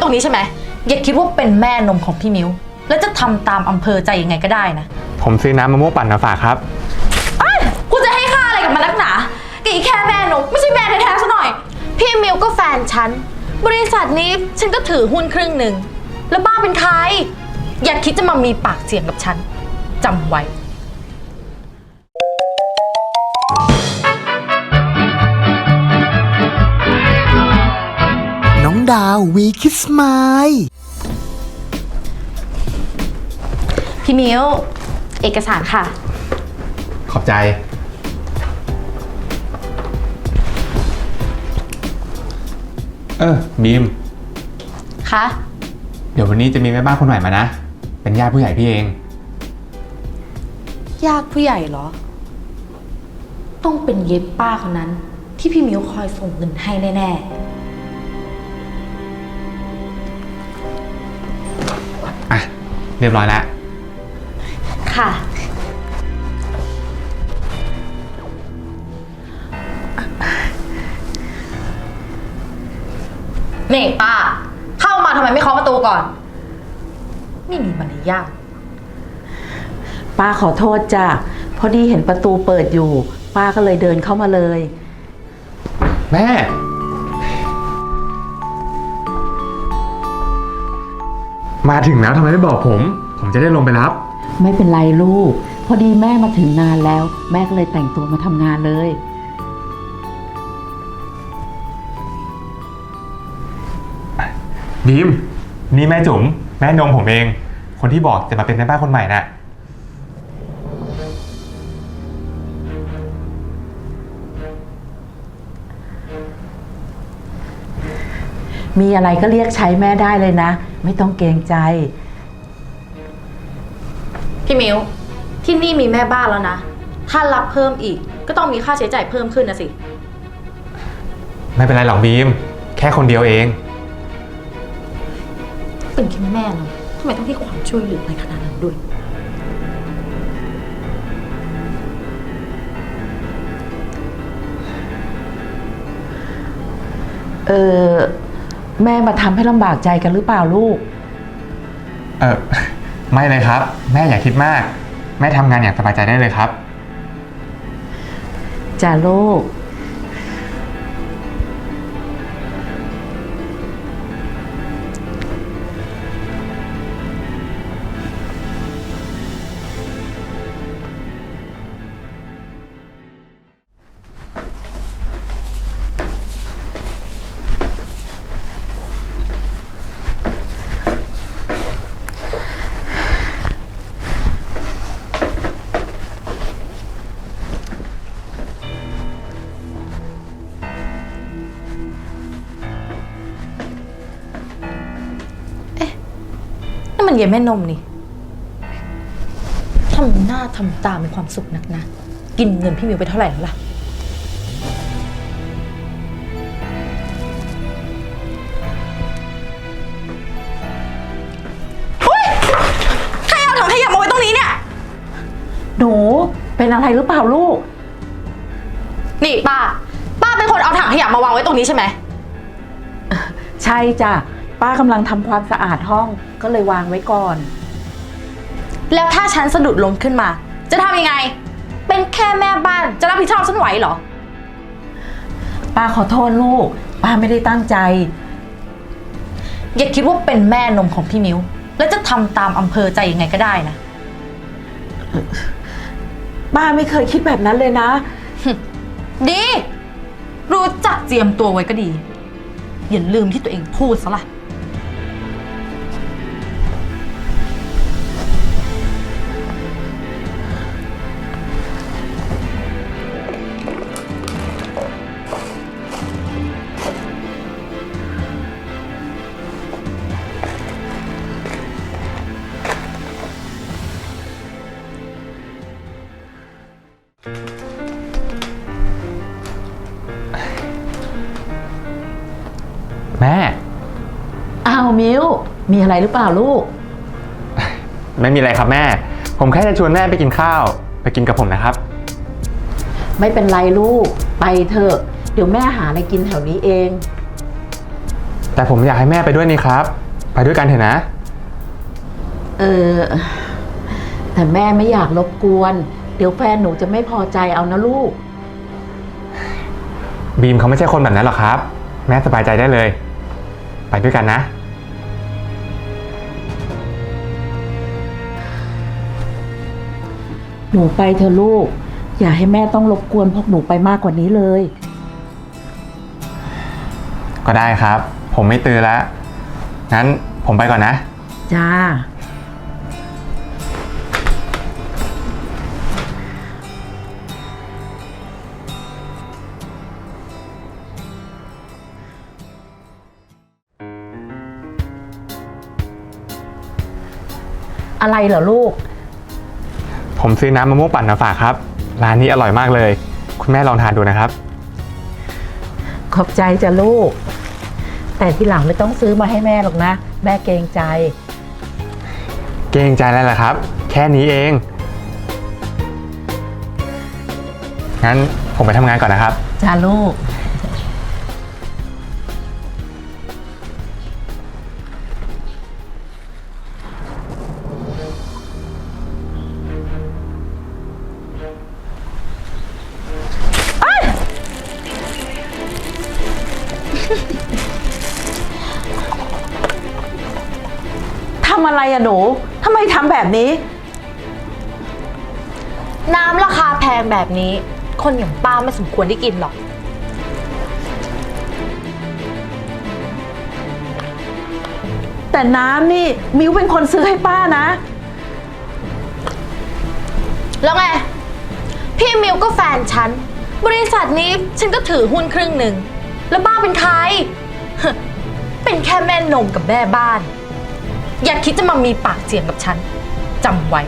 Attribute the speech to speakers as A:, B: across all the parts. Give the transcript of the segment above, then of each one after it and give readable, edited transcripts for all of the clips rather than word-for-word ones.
A: ตรงนี้ใช่ไหมอย่าคิดว่าเป็นแม่นมของพี่มิ้วแล้วจะทำตามอำเภอใจยังไงก็ได้นะ
B: ผมซื้อน้ำมะม่วงปั่นมาฝากครับ
A: กูจะให้ค่าอะไรกับมันนักหนาแกแค่แม่นมไม่ใช่แม่แท้ๆซะหน่อยพี่มิ้วก็แฟนฉันบริษัทนี้ฉันก็ถือหุ้นครึ่งหนึ่งแล้วบ้าเป็นใครอย่าคิดจะมามีปากเสียงกับฉันจำไว้
C: น้องดาววีคิสไมล์
A: พี่มิ้วเอกสารค่ะ
B: ขอบใจบีม
A: คะ
B: เดี๋ยววันนี้จะมีแม่บ้านคนใหม่มานะเป็นญาติผู้ใหญ่พี่เอง
A: ญาติผู้ใหญ่เหรอต้องเป็นเย็บป้าคนนั้นที่พี่มิ้วคอยส่งเงินให้แน่
B: ๆอ่ะเรียบร้อยแล้ว
A: ค่ะนี่ป้าเข้ามาทำไมไม่เคาะประตูก่อนไม่มีมารยาท
D: ป้าขอโทษจ้ะพอดีเห็นประตูเปิดอยู่ป้าก็เลยเดินเข้ามาเลย
B: แม่มาถึงแล้วทำไมไม่บอกผมจะได้ลงไปรับ
D: ไม่เป็นไรลูกพอดีแม่มาถึงนานแล้วแม่ก็เลยแต่งตัวมาทำงานเลย
B: บีมนี่แม่จุ๋มแม่นมผมเองคนที่บอกจะมาเป็นแม่บ้านคนใหม่น่ะ
D: มีอะไรก็เรียกใช้แม่ได้เลยนะไม่ต้องเกรงใจ
A: พี่มิ้วที่นี่มีแม่บ้านแล้วนะถ้ารับเพิ่มอีกก็ต้องมีค่าใช้จ่ายเพิ่มขึ้นนะสิ
B: ไม่เป็นไรหรอกบีมแค่คนเดียวเอง
A: เป็นแค่แม่เราทำไมต้องให้ความช่วยเหลืออะไรขนาดนั้นด้วย
D: แม่มาทำให้ลำบากใจกันหรือเปล่าลูก
B: ไม่เลยครับแม่อย่าคิดมากแม่ทำงานอย่างสบายใจได้เลยครับ
D: จ้าลูก
A: นั่นมันเย็นแม่นมนี่ทำหน้าทำตามีความสุขนักนะกินเงินพี่มิวไปเท่าไหร่แล้วล่ะเฮ้ยใครเอาถังขยะมาไว้ตรงนี้เนี่ย
D: หนูเป็นอะไรหรือเปล่าลูก
A: นี่ป้าเป็นคนเอาถังขยะมาวางไว้ตรงนี้ใช่ไหม
D: ใช่จ้ะป้ากำลังทำความสะอาดห้องก็เลยวางไว้ก่อน
A: แล้วถ้าฉันสะดุดล้มขึ้นมาจะทำยังไงเป็นแค่แม่บ้านจะรับผิดชอบฉันไหวเหรอ
D: ป้าขอโทษลูกป้าไม่ได้ตั้งใจ
A: อย่าคิดว่าเป็นแม่นมของพี่มิ้วแล้วจะทำตามอำเภอใจยังไงก็ได้นะ
D: ป้าไม่เคยคิดแบบนั้นเลยนะ
A: ดีรู้จักเจียมตัวไว้ก็ดีอย่าลืมที่ตัวเองพูดซะล่ะ
B: แม่
D: อ้าวมิวมีอะไรหรือเปล่าลูก
B: ไม่มีอะไรครับแม่ผมแค่จะชวนแม่ไปกินข้าวไปกินกับผมนะครับ
D: ไม่เป็นไรลูกไปเถอะเดี๋ยวแม่หาอะไรกินแถวนี้เอง
B: แต่ผมอยากให้แม่ไปด้วยนี่ครับ ไปด้วยกันเถอะนะ
D: เออ แต่แม่ไม่อยากรบกวน เดี๋ยวแฟนหนูจะไม่พอใจเอานะลูก
B: บีมเขาไม่ใช่คนแบบนั้นหรอกครับ แม่สบายใจได้เลย ไปด้วยกันนะ
D: หนูไปเถอะลูก อย่าให้แม่ต้องรบกวนพวกหนูไปมากกว่านี้เลย
B: ก็ได้ครับ ผมไม่ตื่นแล้ว งั้นผมไปก่อนนะ
D: จ้า อะไรเหรอลูก
B: ผมซื้อน้ำมะม่วงปั่นมาฝากครับ ร้านนี้อร่อยมากเลย คุณแม่ลองทานดูนะครับ
D: ขอบใจจ้ะลูก แต่ทีหลังไม่ต้องซื้อมาให้แม่หรอกนะ แม่เกรงใจ
B: เกรงใจอะไรล่ะครับ แค่นี้เอง งั้นผมไปทำงานก่อนนะครับ
D: จ้าลูก ทำอะไรอะหนู ทำไมทำแบบนี้
A: น้ำราคาแพงแบบนี้ คนอย่างป้าไม่สมควรได้กินหรอก
D: แต่น้ำนี่มิวเป็นคนซื้อให้ป้านะ
A: แล้วไง พี่มิวก็แฟนฉัน บริษัทนี้ฉันก็ถือหุ้นครึ่งหนึ่ง แล้วป้าเป็นใคร เป็นแค่แม่นมกับแม่บ้าน อย่าคิดจะมามีปากเสียงกับฉันจำไว้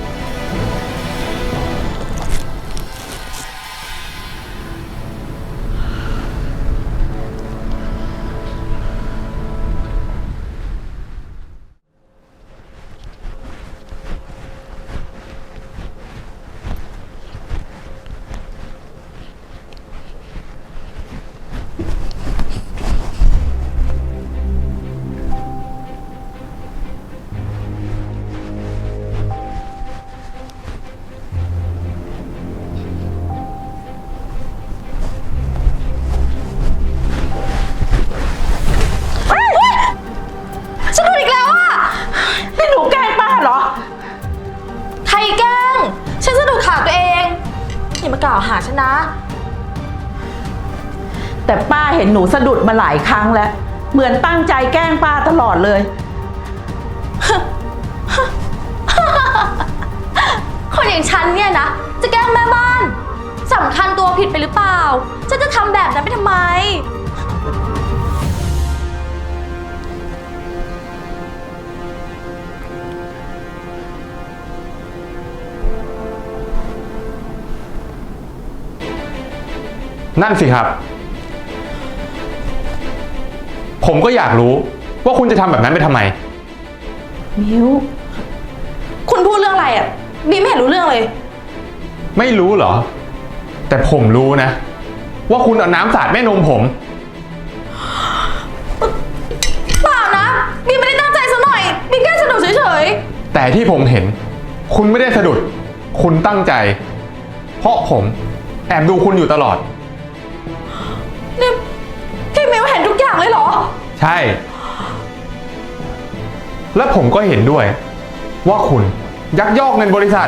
A: ฉันโดนอีกแล้วอ่ะ
D: นี่หนูแกล้งป้าเหรอ
A: ใครแกล้ง ฉันสะดุดขาตัวเอง อย่ามากล่าวหาฉันนะ
D: แต่ป้าเห็นหนูสะดุดมาหลายครั้งแล้ว เหมือนตั้งใจแกล้งป้าตลอดเลย
A: คนอย่างฉันเนี่ยนะ จะแกล้งแม่บ้านสำคัญตัวผิดไปหรือเปล่า ฉันจะทำแบบนั้นไปทำไม
B: นั่นสิครับ ผมก็อยากรู้ว่าคุณจะทำแบบนั้นไปทำไม
D: มิว
A: คุณพูดเรื่องอะไรอ่ะบีไม่เห็นรู้เรื่องเลย
B: ไม่รู้เหรอ แต่ผมรู้นะ ว่าคุณเอาน้ำสาดแม่นมผม
A: เปล่านะบีไม่ได้ตั้งใจซะหน่อยบีแค่สะดุดเฉย
B: แต่ที่ผมเห็น คุณไม่ได้สะดุด คุณตั้งใจ เพราะผมแอบดูคุณอยู่ตลอด
A: ๆนี่พี่มิวเห็นทุกอย่างเลยเหรอ
B: ใช่ และผมก็เห็นด้วย ว่าคุณยักยอกเงินบริษัท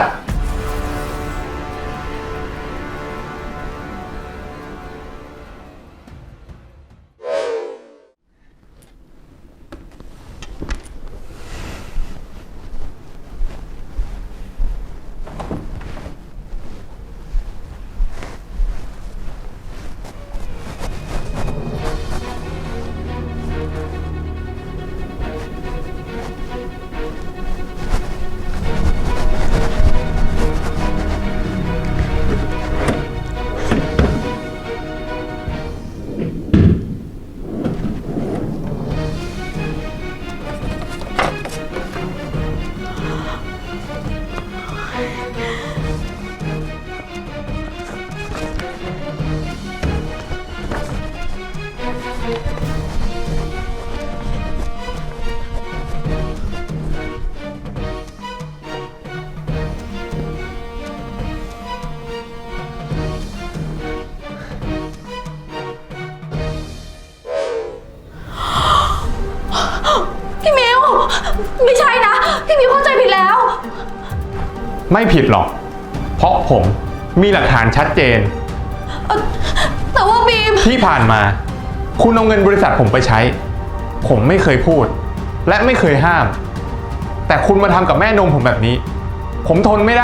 B: ไม่ผิดหรอก เพราะผมมีหลักฐานชัดเจน
A: แต่ว่าบีม
B: ที่ผ่านมา คุณเอาเงินบริษัทผมไปใช้ ผมไม่เคยพูด และไม่เคยห้าม แต่คุณมาทำกับแม่นมผมแบบนี้ ผมทนไม่ได้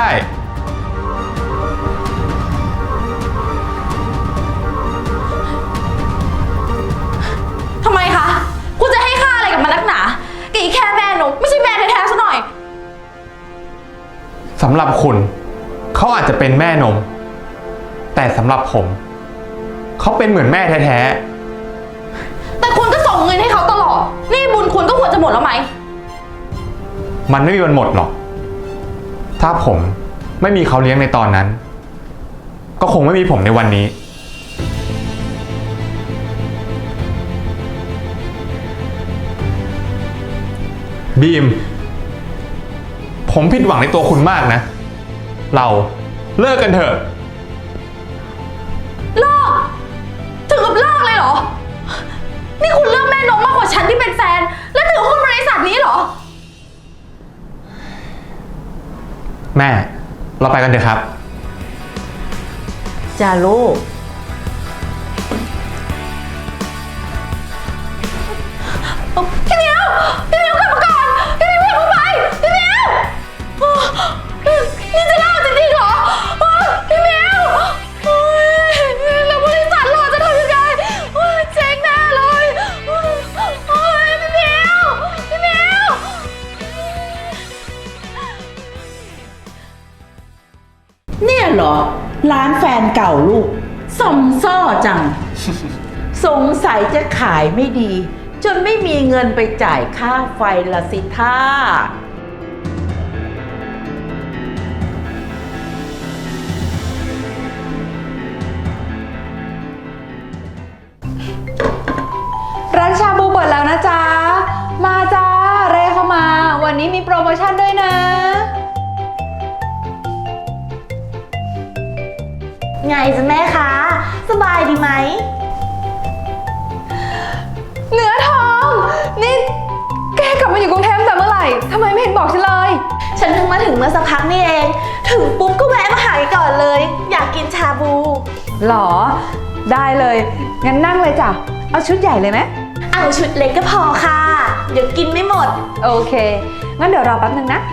A: ทำไมคะ คุณจะให้ค่าอะไรกับมันนักหนาแกอีแค่แม่นมไม่ใช่แม่แท้ๆซะหน่อย
B: สำหรับคุณเขาอาจจะเป็นแม่นม แต่สำหรับผม เขาเป็นเหมือนแม่แท้
A: แต่คุณก็ส่งเงินให้เขาตลอด นี่บุญคุณก็ควรจะหมดแล้วไหม
B: ๆ มันไม่มีวันหมดหรอก ถ้าผมไม่มีเขาเลี้ยงในตอนนั้น ก็คงไม่มีผมในวันนี้ บีม ผมผิดหวังในตัวคุณมากนะ เราเลิกกันเถอะ
A: เลิก ถึงกับเลิกเลยเหรอ นี่คุณเลือกแม่นมมากกว่าฉันที่เป็นแฟน และถือหุ้นบริษัทนี้เหรอ
B: แม่ เราไปกันเถอะครับ
D: จ้าลูก
A: พี่มิวพี่มิวกลับมาก่อนพี่มิวอย่าเพิ่งไปพี่มิวนี่จะเล่าจริงๆเหรอพี่มิวแล้วบริษัทเราจะทำยังไงเจ๊งแน่เลยพี่มิวพี่มิว
D: เนี่ยเหรอ ร้านแฟนเก่าลูกสมซ่อจัง สงสัยจะขายไม่ดี จนไม่มีเงินไปจ่ายค่าไฟละสิท่า
E: ร้านชาบูเปิดแล้วนะจ๊ะ มาจ้าเร่เข้ามา วันนี้มีโปรโมชั่นด้วยนะ
A: ไงจ๊ะแม่คะสบายดีไหม
E: เนื้อทอง นี่แกกลับมาอยู่กรุงเทพแต่เมื่อไหร่ทำไมไม่เห็นบอกฉันเลย
A: ฉันเพิ่งมาถึงเมื่อสักพักนี่เอง ถึงปุ๊บก็แวะมาหาก่อนเลย อยากกินชาบู
E: หรอ ได้เลย งั้นนั่งเลยจ้ะ เอาชุดใหญ่เลยไหม
A: เอาชุดเล็กก็พอค่ะ เดี๋ยวกินไม่หมด
E: โอเค งั้นเดี๋ยวรอแป๊บนึงนะ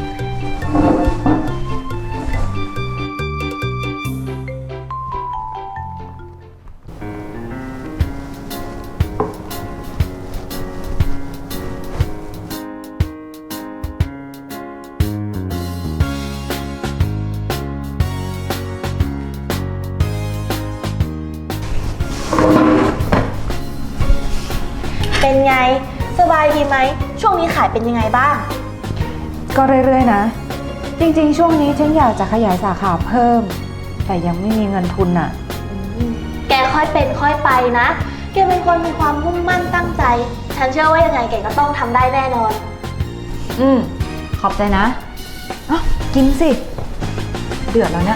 A: เป็นไง สบายดีไหม ช่วงนี้ขายเป็นยังไงบ้าง
E: ก็เรื่อยๆนะ จริงๆ ช่วงนี้ฉันอยากจะขยายสาขาเพิ่ม แต่ยังไม่มีเงินทุนน่ะ
A: แกค่อยเป็นค่อยไปนะ แกเป็นคนมีความมุ่งมั่นตั้งใจ ฉันเชื่อว่ายังไงแกก็ต้องทำได้แน่นอน
E: ขอบใจนะอ้าวกินสิ เดือดแล้วเนี่ย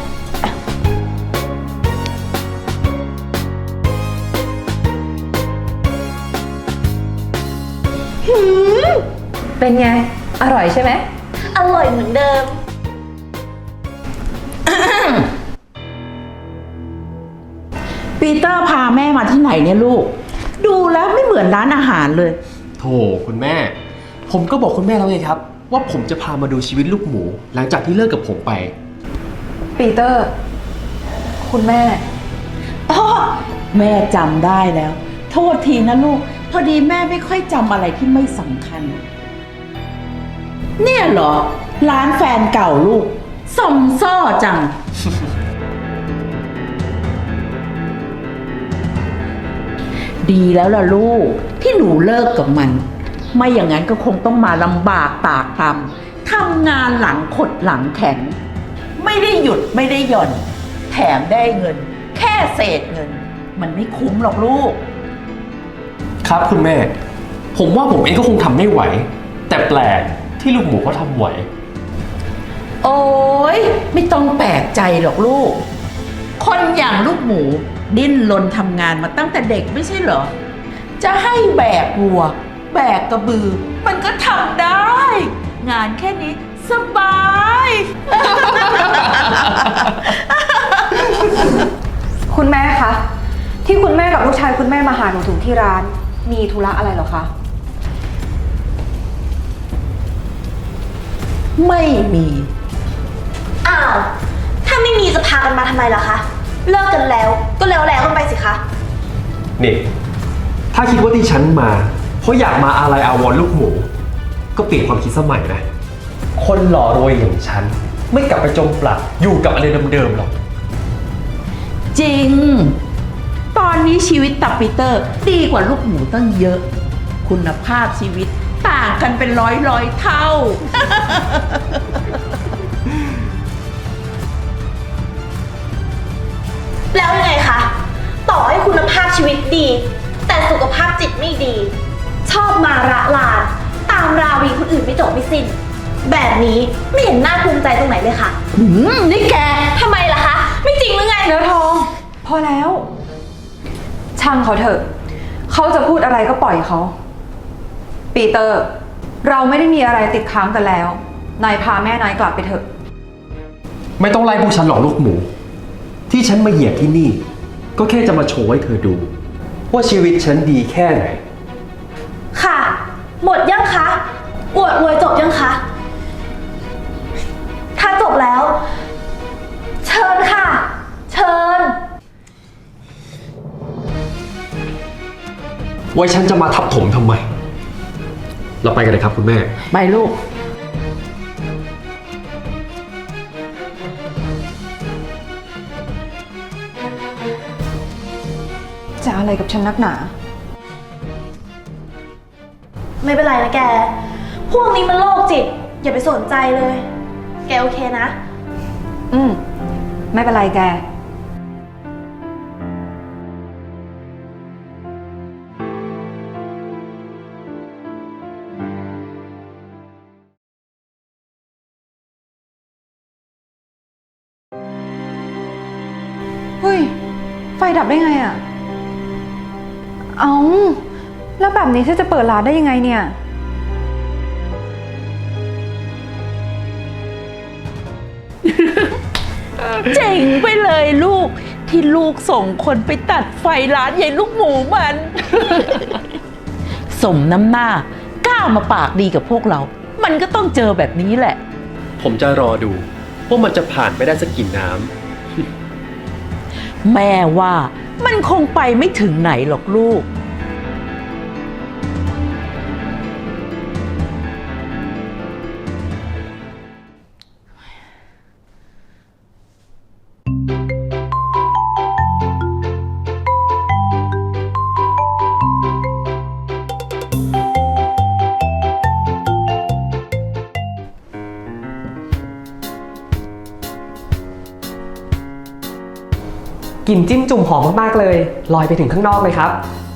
E: เป็นไง อร่อยใช่ไหม
A: อร่อยเหมือนเดิม
D: ปีเตอร์พาแม่มาที่ไหนเนี่ยลูก ดูแล้วไม่เหมือนร้านอาหารเลย
F: โถคุณแม่ ผมก็บอกคุณแม่แล้วไงครับ ว่าผมจะพามาดูชีวิตลูกหมู หลังจากที่เลิกกับผมไป
E: ปีเตอร์ คุณแม่
D: อ้อแม่จำได้แล้ว โทษทีนะลูก พอดีแม่ไม่ค่อยจำอะไรที่ไม่สำคัญ เนี่ยเหรอ ร้านแฟนเก่าลูกสมซ่อจัง ดีแล้วล่ะลูก ที่หนูเลิกกับมัน ไม่อย่างนั้นก็คงต้องมาลำบากตากตำทำงานหลังขดหลังแข็ง ไม่ได้หยุดไม่ได้หย่อน แถมได้เงิน แค่เศษเงิน มันไม่คุ้มหรอกลูก
F: ครับคุณแม่ ผมว่าผมเองก็คงทำไม่ไหว แต่แปลกที่ลูกหมูเขาทำไหว
D: โอ้ยไม่ต้องแปลกใจหรอกลูก คนอย่างลูกหมู ดิ้นรนทำงานมาตั้งแต่เด็กไม่ใช่เหรอ จะให้แบกวัว แบกกระบือ มันก็ทำได้ งานแค่นี้สบาย
E: คุณแม่คะ ที่คุณแม่กับลูกชายคุณแม่มาหาหนูถึงที่ร้าน มีธุระอะไรเหรอคะ
D: ไม่มี
A: อ้าว ถ้าไม่มีจะพากันมาทำไมล่ะคะ เลิกกันแล้วก็แล้วกันไปสิคะ
F: นี่ถ้าคิดว่าที่ฉันมาเพราะอยากมาอะไรอาวรณ์ลูกหมู ก็เปลี่ยนความคิดสมัยนะ คนหล่อรวยอย่างฉัน ไม่กลับไปจมปลักอยู่กับอะไรเดิมๆหรอก
D: จริง ตอนนี้ชีวิตตับปีเตอร์ดีกว่าลูกหมูตั้งเยอะ คุณภาพชีวิตต่างกันเป็นร้อยเท่า
A: แล้วยังไงคะ ต่อให้คุณภาพชีวิตดี แต่สุขภาพจิตไม่ดี ชอบมาระลาน ตามราวีคนอื่นไม่จบไม่สิ้น แบบนี้ไม่เห็นน่าภูมิใจตรงไหนเลยค่ะ
D: นี่แก
A: ทำไมล่ะคะ ไม่จริงหรือไง
E: เนื้อทอง พอแล้ว ช่างเขาเถอะ เขาจะพูดอะไรก็ปล่อยเขา ปีเตอร์ เราไม่ได้มีอะไรติดค้างกันแล้ว นายพาแม่นายกลับไปเถอะ
F: ไม่ต้องไล่พวกฉันหรอกลูกหมู ที่ฉันมาเหยียบที่นี่ ก็แค่จะมาโชว์ให้เธอดู ว่าชีวิตฉันดีแค่ไหน
A: ค่ะ หมดยังคะ อวดรวยจบยังคะ ถ้าจบแล้ว เชิญค่ะ เชิญ
F: ไว้ฉันจะมาทับถมทำไม เราไปกันเลยครับคุณแม่
D: ไปลูก
E: จะอะไรกับฉันนักหนา
A: ไม่เป็นไรนะแก พวกนี้มันโรคจิต อย่าไปสนใจเลย แกโอเคนะ
E: ไม่เป็นไรแก เฮ้ย ไฟดับได้ไงอ่ะ เอาแล้วแบบนี้ฉันจะเปิดร้านได้ยังไงเนี่ย
D: เจ๋งไปเลยลูก ที่ลูกส่งคนไปตัดไฟร้านยายลูกหมูมัน สมน้ำหน้ากล้ามาปากดีกับพวกเรา มันก็ต้องเจอแบบนี้แหละ
F: ผมจะรอดูว่ามันจะผ่านไปได้สักกี่น้ำ
D: แม่ว่ามันคงไปไม่ถึงไหนหรอกลูก
G: กลิ่นจิ้มจุ่มหอมมากๆเลยลอยไปถึงข้างนอกเลยครับ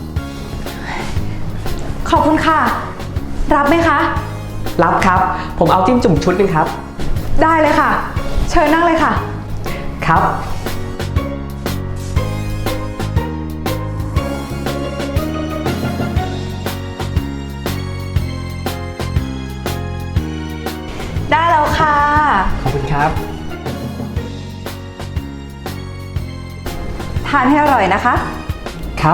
E: ขอบคุณค่ะ รับไหมคะ
G: รับครับ ผมเอาจิ้มจุ่มชุดหนึงครับ
E: ได้เลยค่ะ เชิญนั่งเลยค่ะ
G: ครับ
E: ได้แล้วค่ะ
G: ขอบคุณครับ
E: ทานให้อร่อยนะคะ
G: ครับ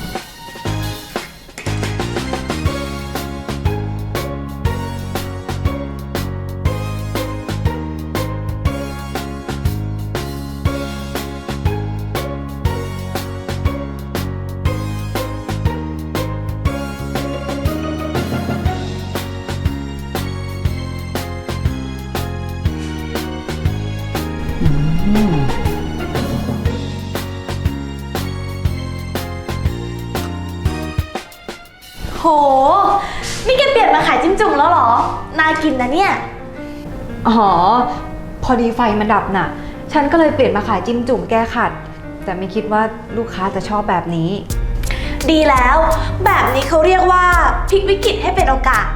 A: โห นี่แกเปลี่ยนมาขายจิ้มจุ่มแล้วเหรอ น่ากินนะเนี่ย
E: อ๋อ พอดีไฟมันดับน่ะ ฉันก็เลยเปลี่ยนมาขายจิ้มจุ่มแก้ขัด แต่ไม่คิดว่าลูกค้าจะชอบแบบนี้
A: ดีแล้ว แบบนี้เขาเรียกว่าพลิกวิกฤตให้เป็นโอกาส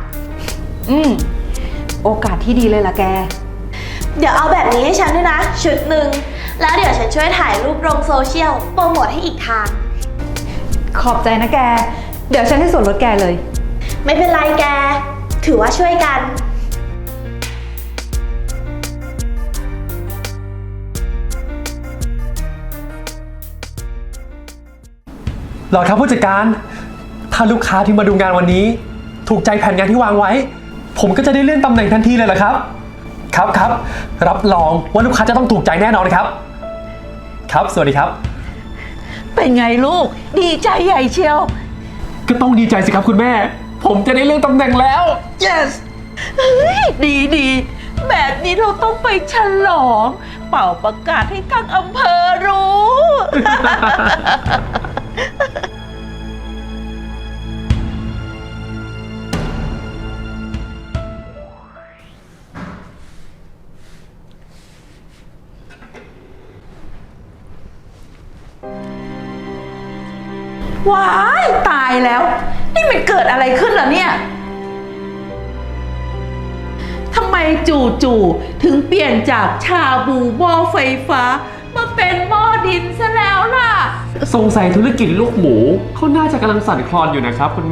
E: โอกาสที่ดีเลยล่ะแก
A: เดี๋ยวเอาแบบนี้ให้ฉันด้วยนะ ชุดหนึ่ง แล้วเดี๋ยวฉันช่วยถ่ายรูปลงโซเชียลโปรโมทให้อีกทาง
E: ขอบใจนะแก เดี๋ยวฉันให้ส่วนลดแกเลย
A: ไม่เป็นไรแก ถือว่าช่วยกัน
F: หรอครับผู้จัดการ ถ้าลูกค้าที่มาดูงานวันนี้ ถูกใจแผนงานที่วางไว้ ผมก็จะได้เลื่อนตำแหน่งทันทีเลยเหรอครับ ครับรับรองว่าลูกค้าจะต้องถูกใจแน่นอนครับ ครับสวัสดีครับ
D: เป็นไงลูก ดีใจใหญ่เชียว
F: ก็ต้องดีใจสิครับคุณแม่ ผมจะได้เลื่อนตำแหน่งแล้ว
D: yes เฮ้ยดีแบบนี้เราต้องไปฉลอง เป่าประกาศให้ทั้งอำเภอรู้ ว้ายตายแล้ว นี่มันเกิดอะไรขึ้นล่ะเนี่ยทำไมจู่ๆถึงเปลี่ยนจากชาบูหม้อไฟฟ้า มาเป็นหม้อดินซะแล้วล่ะ
F: สงสัยธุรกิจลูกหมูเขาน่าจะกำลังสั่นคลอนอยู่นะครับคุณแม่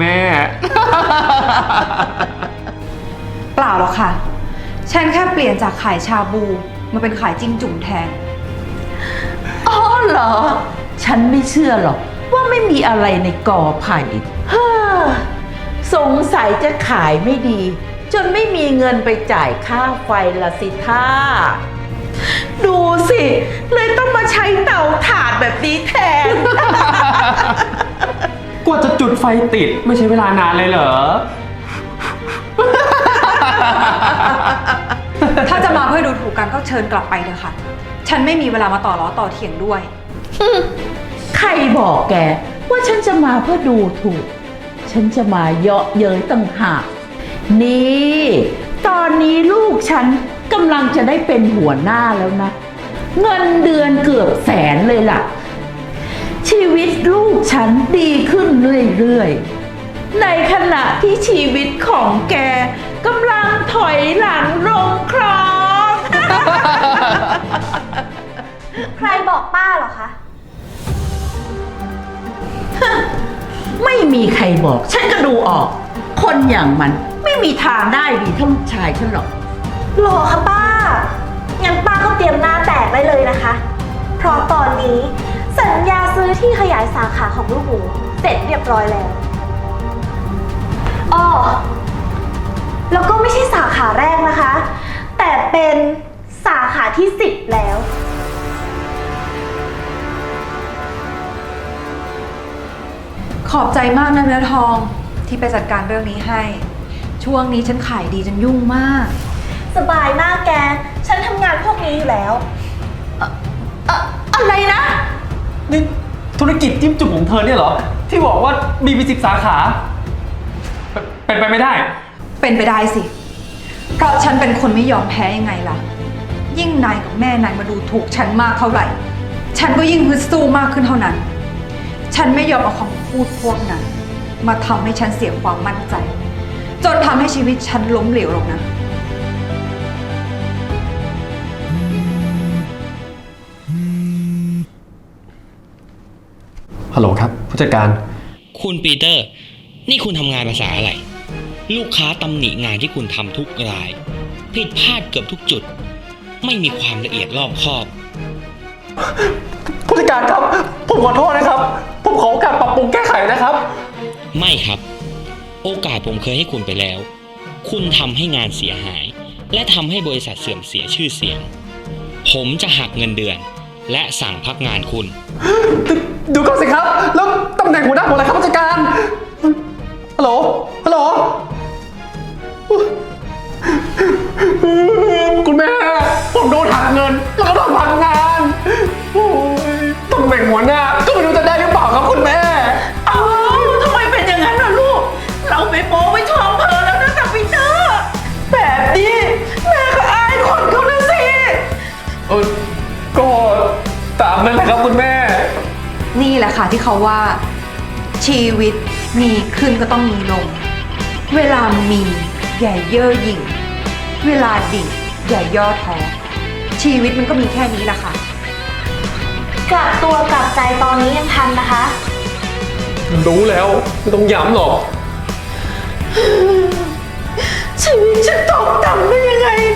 E: เปล่าหรอกค่ะ ฉันแค่เปลี่ยนจากขายชาบูมาเป็นขายจิ้มจุ่มแทน
D: อ๋อเหรอ ฉันไม่เชื่อหรอกว่าไม่มีอะไรในกอไผ่ฮ่าสงสัยจะขายไม่ดี จนไม่มีเงินไปจ่ายค่าไฟละสิท่า ดูสิ เลยต้องมาใช้เตาถ่านแบบนี้แทน
F: กว่าจะจุดไฟติดไม่ใช่เวลานานเลยเหรอ
E: ถ้าจะมาเพื่อดูถูกกันก็เชิญกลับไปเถอะค่ะ ฉันไม่มีเวลามาต่อล้อต่อเถียงด้วย
D: ใครบอกแกว่าฉันจะมาเพื่อดูถูก ฉันจะมาเยาะเย้ยต่างหากนี่ ตอนนี้ลูกฉันกำลังจะได้เป็นหัวหน้าแล้วนะ เงินเดือนเกือบแสนเลยล่ะ ชีวิตลูกฉันดีขึ้นเรื่อยๆ ในขณะที่ชีวิตของแกกำลังถอยหลังลงคลอง
A: ใครบอกป้าเหรอคะ
D: ไม่มีใครบอกฉันก็ดูออก คนอย่างมันไม่มีทางได้ดีเท่าลูกชายฉันหรอก
A: หรอคะป้า งั้นป้าก็เตรียมหน้าแตกได้เลยนะคะ เพราะตอนนี้สัญญาซื้อที่ขยายสาขาของลูกหมูเสร็จเรียบร้อยแล้วอ้อแล้วก็ไม่ใช่สาขาแรกนะคะ แต่เป็นสาขาที่ 10 แล้ว
E: ขอบใจมากนะเนื้อทองที่ไปจัดการเรื่องนี้ให้ ช่วงนี้ฉันขายดีจนยุ่งมาก
A: สบายมากแก ฉันทำงานพวกนี้อยู่แล้ว
D: อะไรนะ
F: นี่ธุรกิจจิ้มจุ่มของเธอเนี่ยเหรอ ที่บอกว่ามีไป10 สาขา เป็นไปไม่ได้
E: เป็นไปได้สิ เพราะฉันเป็นคนไม่ยอมแพ้ยังไงล่ะ ยิ่งนายกับแม่นายมาดูถูกฉันมากเท่าไหร่ ฉันก็ยิ่งฮึดสู้มากขึ้นเท่านั้น ฉันไม่ยอมเอาคำพูดพวกนั้น มาทำให้ฉันเสียความมั่นใจ จนทำให้ชีวิตฉันล้มเหลวลงนะ
F: ฮัลโหลครับผู้จัดการ
H: คุณปีเตอร์ นี่คุณทำงานภาษาอะไร ลูกค้าตำหนิงานที่คุณทำทุกราย ผิดพลาดเกือบทุกจุด ไม่มีความละเอียดรอบคอบ
F: ผู้จัดการครับ ผมขอโทษนะครับ ผมขอโอกาสปรับปรุงแก้ไขนะครับ
H: ไม่ครับ โอกาสผมเคยให้คุณไปแล้ว คุณทำให้งานเสียหาย และทำให้บริษัทเสื่อมเสียชื่อเสียง ผมจะหักเงินเดือน และสั่งพักงานคุณ
F: ดูก่อนสิครับ แล้วตำแหน่งหัวหน้าผมอะไรครับผู้จัดการ ฮัลโหล ฮัลโหล คุณแม่ ผมโดนหักเงิน แล้วก็โดนพักงานโอ้ยตำแหน่งหัวหน้าก็ไม่รู้จะได้หรือเปล่าครับคุณแม่
D: อ้าวทำไมเป็นอย่างนั้นล่ะลูก เราไปโป๊ไว้ท้องเพอแล้วนะกับปีเตอร์แบบนี้แม่ก็อายคนเขานะสิ
F: ก็ตามนั้นแหละครับคุณแม่
E: นี่แหละค่ะที่เขาว่า ชีวิตมีขึ้นก็ต้องมีลง เวลามีอย่าเย่อหยิ่ง เวลาดิ่งอย่าย่อท้อ ชีวิตมันก็มีแค่นี้แหละค่ะ
A: กลับตัวกลับใจตอนนี้ยังทันนะคะ
F: รู้แล้วไม่ต้องย้ำหรอก
D: ชีวิตฉันตกต่ำได้ยังไง